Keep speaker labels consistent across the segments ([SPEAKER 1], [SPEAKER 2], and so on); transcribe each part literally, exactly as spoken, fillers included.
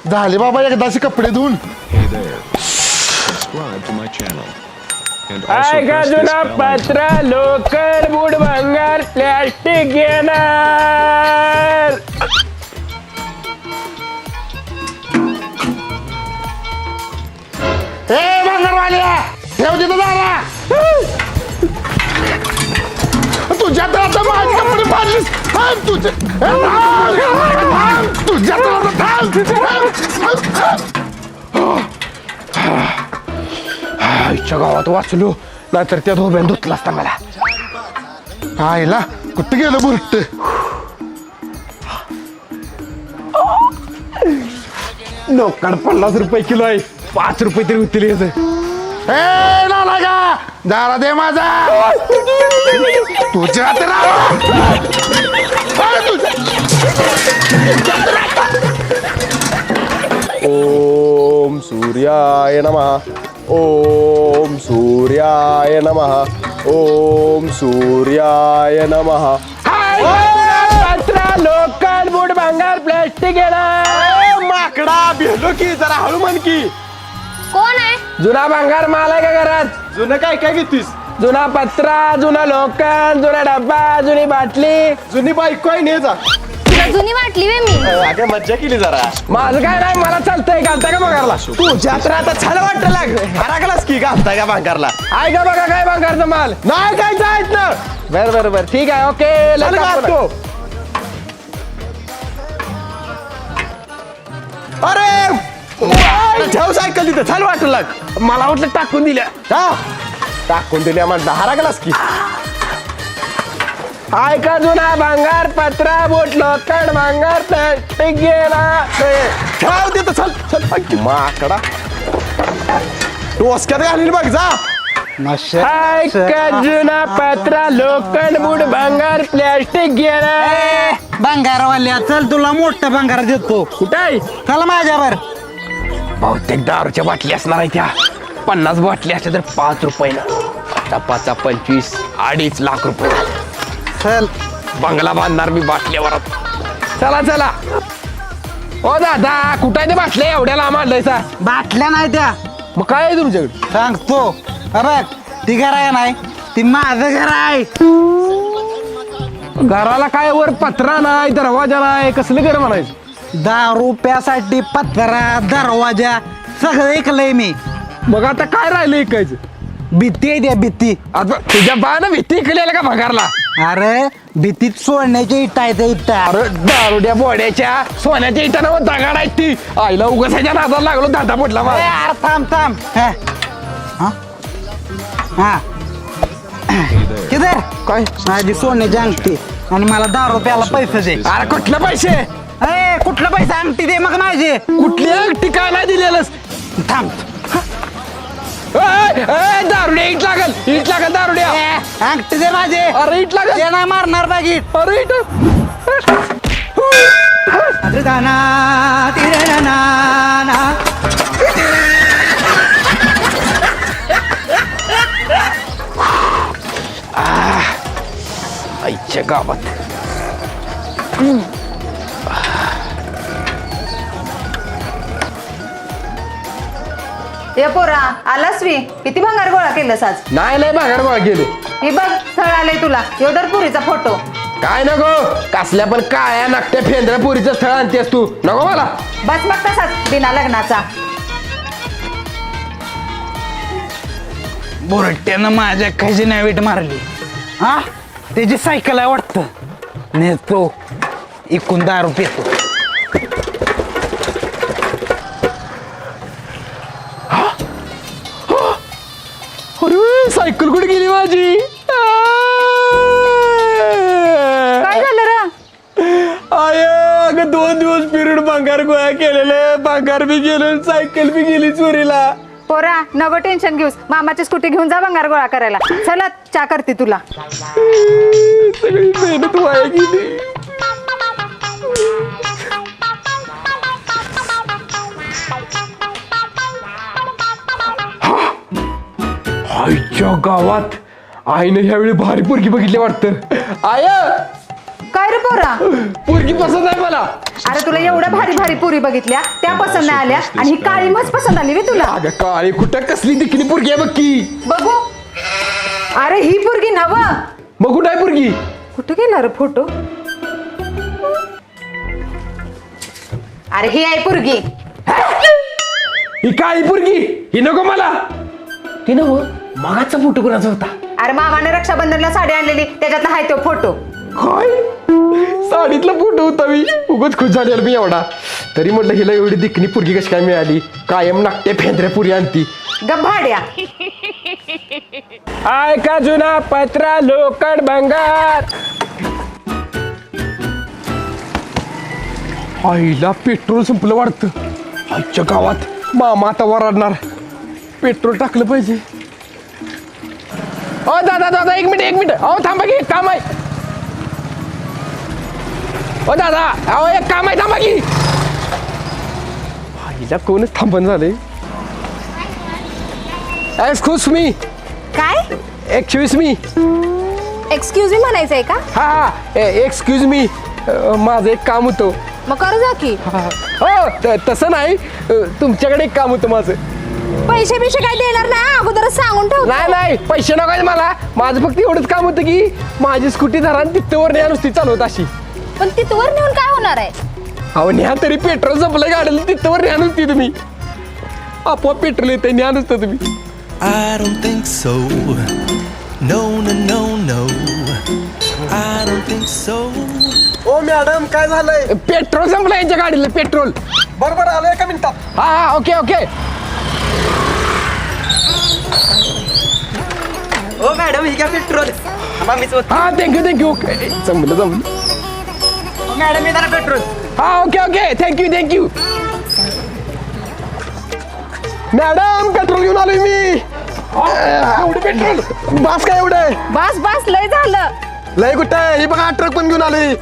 [SPEAKER 1] झाले बाबा एकदाचे कपडे धुवून.
[SPEAKER 2] Hey there. Subscribe to my channel. And also
[SPEAKER 3] काय का
[SPEAKER 2] press this
[SPEAKER 3] जुना
[SPEAKER 2] bell
[SPEAKER 3] पत्रा लोकर बुड भंगार प्लॅस्टिक घेणार.
[SPEAKER 1] ए भंगारवाल्या ठेव तिथं दारा. तुझ्या तर आता माझे कपडे फाडलीस. थांब तुझे तुझ्या तर आता
[SPEAKER 3] आईच्या गावात वाचलो नाहीतर त्या धोब्यान धुतला असता मला.
[SPEAKER 1] आईला कुठं गेलं बुरट.
[SPEAKER 3] लोकड पन्नास रुपये किलो आहे पाच रुपये तरी होतील याचं.
[SPEAKER 1] ए नाला का दारा दे माझा. तुझ्या तर
[SPEAKER 4] ओम सूर्याय नमः. ओम सूर्याय नमः. ओम सूर्याय नमः.
[SPEAKER 3] पत्रा लोकड बुड भंगार प्लॅस्टिक घेणार.
[SPEAKER 4] माकडा भेलो की जरा हळू म्हण की.
[SPEAKER 5] कोण आहे?
[SPEAKER 3] जुना भंगार माल आहे का घरात?
[SPEAKER 4] जुनं काय काय घेतीस?
[SPEAKER 3] जुना पत्रा जुना लोकड जुना डब्बा जुनी बाटली.
[SPEAKER 4] जुनी बायको आहे ने जा.
[SPEAKER 5] तुला जुनी वाटली वे मी.
[SPEAKER 4] अगं मज्जा केली जरा.
[SPEAKER 3] माझं काय नाही मला चालतंय घालता का भंगारला?
[SPEAKER 4] तुझ्या तर आता छान वाटत लाग. हराकलास की घालताय का भांगारला?
[SPEAKER 3] आहे का बघा काय भंगारचा माल?
[SPEAKER 4] नाही काय जायत ना.
[SPEAKER 3] बर बर बर ठीक आहे ओके.
[SPEAKER 4] चल घालतो. अरे ठेव सायकल तिथं छान वाटत लाग.
[SPEAKER 3] मला वाटलं टाकून दिल्या.
[SPEAKER 4] हा टाकून दिल्या म्हणता हराकलास की.
[SPEAKER 3] आहे का जुना भंगार पत्रा बोट लोकड भंगार प्लॅस्टिक घेणार.
[SPEAKER 4] ठेव तिथं चल चल. माकडा टोसक्यात घालील बघ जा.
[SPEAKER 3] आहे का जुना पत्रा लोकड बुड भंगार प्लॅस्टिक घेणार.
[SPEAKER 6] भंगारवाल्या चल तुला मोठा भंगार देतो.
[SPEAKER 3] कुठं आहे?
[SPEAKER 6] चल माझ्यावर.
[SPEAKER 3] बहुतेक दारूच्या बाटली असणार आहे त्या. पन्नास बाटली असल्या तर पाच रुपयानं आता पाचा पंचवीस अडीच लाख रुपये झाले.
[SPEAKER 6] चल
[SPEAKER 3] बंगला बांधणार मी बाटल्यावर. चला चला. ओ दादा कुठं आहे ते बाटल्या एवढ्या लांब आणलायचा?
[SPEAKER 6] बाटल्या नाही त्या.
[SPEAKER 3] मग काय आहे तुमच्याकडे?
[SPEAKER 6] सांगतो. हा बघ ती घर आहे नाही ती माझं घर आहे.
[SPEAKER 3] घराला काय वर पत्रा नाही दरवाजा नाही कसलं घर म्हणायचं?
[SPEAKER 6] दारू प्यासाठी पत्रा दरवाजा सगळं ऐकलंय मी.
[SPEAKER 3] मग आता काय राहिलं ऐकायचं?
[SPEAKER 6] भीती आहे त्या भीती.
[SPEAKER 3] आता तुझ्या बाळानं भीती इकलेला का भंगारला?
[SPEAKER 6] अरे भीतीत सोडण्याच्या इटा आहे त्या इटा.
[SPEAKER 3] अरे दारुड्या बोड्याच्या सोन्याच्या इटानं दगाड आहेत ती. आईला उगासाच्या नादाला लागलो दादा पडला
[SPEAKER 6] ए,
[SPEAKER 3] मला.
[SPEAKER 6] यार थांब थांब. हा हा? हा किधर
[SPEAKER 3] काय
[SPEAKER 6] माझी सोन्याची अंगठी आणि मला दारू प्याला पैसे दे.
[SPEAKER 3] अरे कुठलं पैसे?
[SPEAKER 6] ए कुठलं पैसे अंगठी दे मग माझे.
[SPEAKER 3] कुठली अंगठी काय नाही दिलेलंस?
[SPEAKER 6] थांब.
[SPEAKER 3] ए, ए, दारुड्या इट लागल इट लागल दारुड्या.
[SPEAKER 6] ए, अंगठी दे माझे.
[SPEAKER 3] अरे इट लागल.
[SPEAKER 6] ते नाही मारणार बागीत.
[SPEAKER 3] अरे इट आईच्या गावात
[SPEAKER 7] ए पोरा आलास वी किती भंगार गोळा केलंस आज?
[SPEAKER 3] नाही नाही भागाड बघा गेले.
[SPEAKER 7] हे बघ स्थळ आलंय तुला योदर पुरीचा फोटो.
[SPEAKER 3] काय नको कसल्या पण काळ्या नाकट्या फेंद्रा पुरीचं स्थळ आणतेस तू. नको मला.
[SPEAKER 7] बस मग तसाच बिना लग्नाचा.
[SPEAKER 6] बोरट्यानं माझ्या खजिना वीट मारली. हा त्याची सायकल आहे वाटतं. नेतो इकून दारू पितो.
[SPEAKER 3] अरे सायकल कुठे गेली माझी?
[SPEAKER 7] काय झालं र?
[SPEAKER 3] आय अगं दोन दिवस पिरियड भंगार गोळा केलेले भंगार बी गेले सायकल बी गेली चोरीला.
[SPEAKER 7] पोरा नको टेन्शन घेऊस मामाची स्कूटी घेऊन जा भंगार गोळा करायला. चला चा करते तुला.
[SPEAKER 3] सगळी मेहनत वाया गेली. आईच्या गावात आईने ह्यावेळी भारी पोरगी बघितली वाटतं. आय
[SPEAKER 7] काय रे पोरा?
[SPEAKER 3] पोरगी पसंत आहे मला.
[SPEAKER 7] अरे तुला एवढ्या भारी भारी पुरी बघितल्या त्या पसंत नाही आल्या आणि ही काळी मस्त पसंत आली वे तुला.
[SPEAKER 3] अगं काळी कुठं कसली दिखणी पुरगी आहे बघ की.
[SPEAKER 7] बघू. अरे ही पुरगी नव.
[SPEAKER 3] मग कुठं आहे पुरगी?
[SPEAKER 7] कुठे गेला रे फोटो? अरे ही आहे पुरगी.
[SPEAKER 3] ही काळी पुरगी ही नको मला. ती नको मागाचा फोटो कोणाचा होता?
[SPEAKER 7] अरे मामाने रक्षाबंधनला साडी आणलेली त्याच्यातला आहे तो फोटो.
[SPEAKER 3] काय साडीतला फोटो होता मी. उगाच खुश झाली मी एवढा. तरी म्हटलं हिला एवढी दिखणी पुरगी कशी काय मिळाली? कायम नाट्य फेंद्र्या पुरी आणती.
[SPEAKER 7] गभाड्या.
[SPEAKER 3] आय का जुना पत्रा लोकड भंगार. आईला पेट्रोल संपलं वाटतं. आजच्या गावात मामा आता वराडणार. पेट्रोल टाकलं पाहिजे. ओ दादा दादा एक मिनिट एक मिनिट. अहो थांबा की एक काम आहे. ओ दादा अहो एक काम आहे थांबा की. आईला कोणच थांबण झालंय. Excuse me.
[SPEAKER 5] काय
[SPEAKER 3] एक्सक्यूज मी.
[SPEAKER 5] एक्सक्यूज मी म्हणायचंय का?
[SPEAKER 3] हा हा एक्सक्यूज मी. माझं एक काम होतं.
[SPEAKER 5] मग करू जा की.
[SPEAKER 3] हो त- तसं नाही. अ, तुमच्याकडे एक काम होतं माझं.
[SPEAKER 5] पैसे बिशे काय देणार नाही अगोदरच सांगून ठेव.
[SPEAKER 3] नाही नाही पैसे नका मला. माझं फक्त एवढंच काम होतं की माझी स्कूटी धरा आणि तिथवर न्या नुसती चालवत अशी.
[SPEAKER 5] पण तिथवर नेऊन काय होणार आहे?
[SPEAKER 3] अहो न्या तरी पेट्रोल संपलं गाडीला तिथवर न्या नुसती तुम्ही. आपोआप पेट्रोल येते न्या नुसतं तुम्ही.
[SPEAKER 8] I don't think so. No, no, no, no. I don't think so.
[SPEAKER 4] ओ मॅडम काय झालंय?
[SPEAKER 3] पेट्रोल संपलं यांच्या गाडीला पेट्रोल.
[SPEAKER 4] बरोबर आलो एका मिनिटात.
[SPEAKER 3] हा हा ओके ओके.
[SPEAKER 6] ओ मॅडम ही काय पेट्रोल?
[SPEAKER 3] हा थँक्यू थँक्यू ओके जमलं जमलं.
[SPEAKER 6] मॅडम येणार पेट्रोल.
[SPEAKER 3] हा okay okay thank you thank you. Madam petrol घेऊन आलोय मी. एवढं पेट्रोल बास काय एवढं?
[SPEAKER 7] बस बस लय झालं.
[SPEAKER 4] लय कुठे ही बघा ट्रक पण घेऊन आली.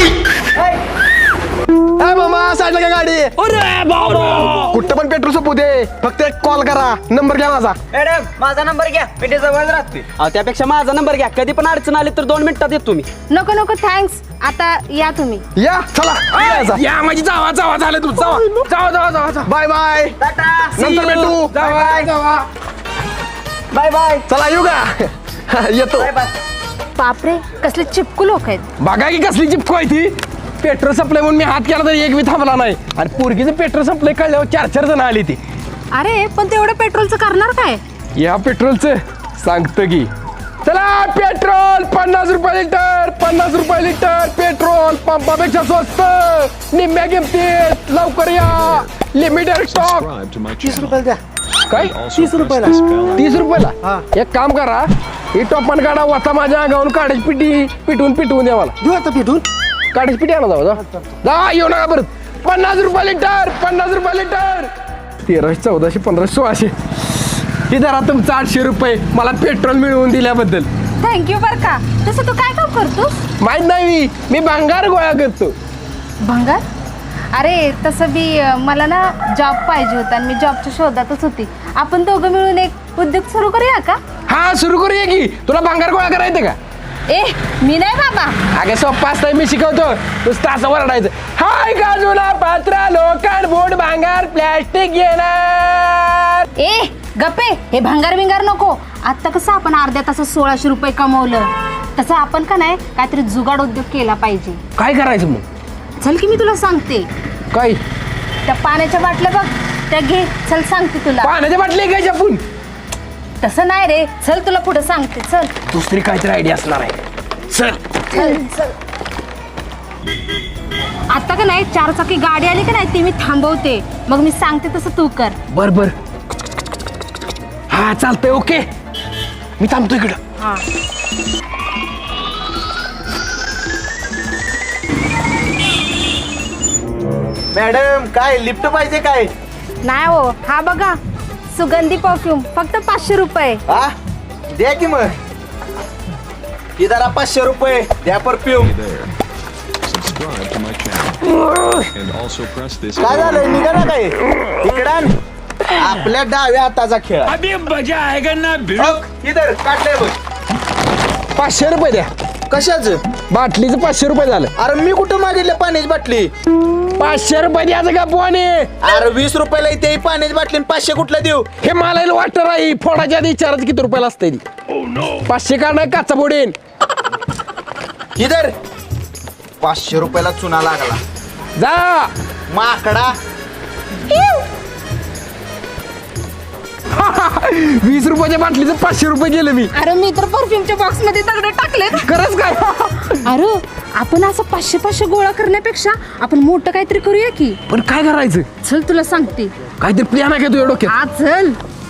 [SPEAKER 4] ए मामा साईडला काय गाडी? कुठं पण पेट्रोल संपू दे. फक्त एक कॉल करा. नंबर घ्या माझा.
[SPEAKER 6] मॅडम माझा नंबर घ्या. मी जवळ राहते. त्यापेक्षा माझा नंबर घ्या. कधी पण अडचण आली तर दोन मिनिटात येतो मी.
[SPEAKER 5] नको नको थँक्स. आता या तुम्ही.
[SPEAKER 4] या चला यायचा.
[SPEAKER 3] या माझी जावा जावा झालं तू जावा जावा जावा जावा जावा.
[SPEAKER 4] Bye bye. नंतर भेटू.
[SPEAKER 3] जावा जावा.
[SPEAKER 6] Bye bye.
[SPEAKER 4] चला येऊ का? येतो.
[SPEAKER 5] बापरे कसले चिपकू लोक आहेत.
[SPEAKER 3] बघा की कसली चिपको आहे ती. पेट्रोल संपलंय म्हणून मी हात केला तर एक बी थांबला नाही. आणि पोरगीचं पेट्रोल संपलंय कळल्यावर चार चार जण आली ती.
[SPEAKER 5] अरे पण तेवढं पेट्रोलचं करणार काय?
[SPEAKER 3] या पेट्रोलचं सांगतो की. चला पेट्रोल पन्नास रुपये लिटर. पन्नास रुपये लिटर पेट्रोल पंपापेक्षा स्वस्त निम्म्या किमतीत. लवकर या. Limited stock.
[SPEAKER 2] Subscribe to my
[SPEAKER 4] तीस
[SPEAKER 2] channel.
[SPEAKER 4] रुपये द्या.
[SPEAKER 3] काय
[SPEAKER 2] Also press this bell icon.
[SPEAKER 3] तीस रुपयाला? एक काम करा ही टोपण काढा वाता माझ्या अंगावरून काढायची पिटी पिटवून पिटवून द्या मला.
[SPEAKER 4] देऊ आता भेटून.
[SPEAKER 3] काढायची पिटी आणा जाऊ जा जा येऊ नका परत. पन्नास रुपये लिटर. पन्नास रुपये लिटर. तेराशे चौदाशे पंधराशे सोळाशे. हे जरा तुमचं आठशे रुपये मला पेट्रोल मिळवून दिल्याबद्दल.
[SPEAKER 5] थँक्यू बर का. तसं तू काय काम करतोस?
[SPEAKER 3] माहित नाही मी भंगार गोळा करतो.
[SPEAKER 5] भंगार? अरे तसं बी अं, मला ना जॉब पाहिजे होता आणि मी जॉबच्या शोधातच होती. आपण दोघं मिळून एक उद्योग सुरू करूया का?
[SPEAKER 3] हा सुरू करूया की. तुला भंगार गोळा करायचं का?
[SPEAKER 5] ए मी नाही बाबा.
[SPEAKER 3] अगे सोप्पा असतं मी शिकवतो. नुसतं असं वरडायचं. हाय गाजूला पात्रा लोखंड बोट भांगार प्लॅस्टिक येणार.
[SPEAKER 5] ए गप्पे हे भंगार बिंगार नको. आता कसं आपण अर्ध्या तासात सोळाशे रुपये कमवलं तसं आपण का नाही काहीतरी जुगाड उद्योग केला पाहिजे.
[SPEAKER 3] काय करायचं मग?
[SPEAKER 5] चल की मी तुला सांगते.
[SPEAKER 3] काय
[SPEAKER 5] त्या पाण्याच्या बाटल्या बघ त्या घे. चल सांगते तुला.
[SPEAKER 3] पाण्याच्या बाटली काय जपून?
[SPEAKER 5] तसं नाही रे. चल तुला पुढे सांगते. चल
[SPEAKER 3] दुसरी काहीतरी आयडिया असणार आहे. चल
[SPEAKER 5] चल चल. आता का नाही चार चाकी गाडी आली का नाही ती मी थांबवते. मग मी सांगते तसं तू कर.
[SPEAKER 3] बर बर. हा चालतंय ओके. मी थांबतो इकडं.
[SPEAKER 5] हा
[SPEAKER 4] मॅडम काय लिफ्ट पाहिजे काय?
[SPEAKER 5] नाही हो. हा बघा सुगंधी परफ्यूम फक्त पाचशे रुपये.
[SPEAKER 4] हा द्या की मग. ही जरा पाचशे रुपये द्या perfume.
[SPEAKER 2] Hey there. Subscribe to my channel. And also press this
[SPEAKER 4] काय
[SPEAKER 2] bell
[SPEAKER 4] झालंय निघा ना काय इकडं. आपल्या डाव्या हाताचा खेळ. इधर काढलंय बघ.
[SPEAKER 3] पाचशे रुपये द्या.
[SPEAKER 4] कशाच?
[SPEAKER 3] बाटलीचं पाचशे रुपये झालं.
[SPEAKER 4] अरे मी कुठं मागितलं पाण्याची बाटली?
[SPEAKER 3] पाचशे रुपये द्यायचं का पोहाने
[SPEAKER 9] अरे वीस रुपयाला इथे पाण्याची बाटली आणि पाचशे कुठला देऊ
[SPEAKER 3] हे मला वाटत नाही फोडाच्या आधी विचारायचं किती रुपयाला असते पाचशे का नाही काचा बोडेन
[SPEAKER 9] इधर पाचशे रुपयाला चुना लागला
[SPEAKER 3] जा
[SPEAKER 9] माकडा
[SPEAKER 3] वीस रुपयाच्या बाटलीचं पाचशे रुपये गेले मी
[SPEAKER 5] अरे मी तर परफ्यूमच्या बॉक्स मध्ये दगड टाकले.
[SPEAKER 3] खरंच काय
[SPEAKER 5] अरे आपण असं पाचशे पाचशे गोळा करण्यापेक्षा आपण मोठं काहीतरी करूया की.
[SPEAKER 3] पण काय करायचं
[SPEAKER 5] चल तुला सांगते.
[SPEAKER 3] काहीतरी प्लॅन आहे का तुझ्या डोक्यात
[SPEAKER 5] हा चल.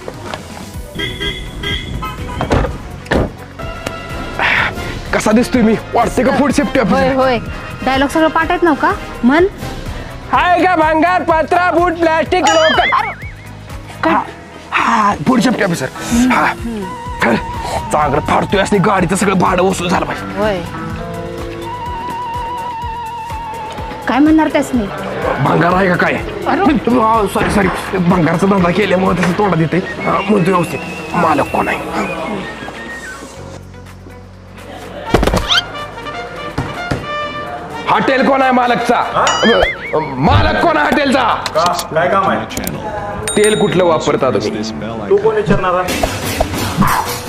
[SPEAKER 3] कसा दिसतोय मी वाटते का फूड सेफ्टी
[SPEAKER 5] होय
[SPEAKER 3] ऑफिसर
[SPEAKER 5] होय डायलॉग सगळं पाठ आहेत नव का म्हण.
[SPEAKER 3] हाय का भांगार पत्रा बूट प्लास्टिक लोकल हा फूड सेफ्टी ऑफिसर हा चल, चांगलं फाडतोय असं गाडीचं सगळं भाडं वसूल झालं पाहिजे.
[SPEAKER 5] होय काय म्हणणार त्यासनी.
[SPEAKER 3] भंगार आहे का काय सॉरी सॉरी भंगारचा धंदा केल्यामुळे तसं तोंडात येते म्हणतो व्यवस्थित मालक कोण आहे. हॉटेल कोण आहे मालकचा मालक कोण आहे हॉटेलचा
[SPEAKER 2] Subscribe to my channel
[SPEAKER 3] तेल कुठलं वापरता तुम्ही
[SPEAKER 2] this bell icon.
[SPEAKER 9] विचारणार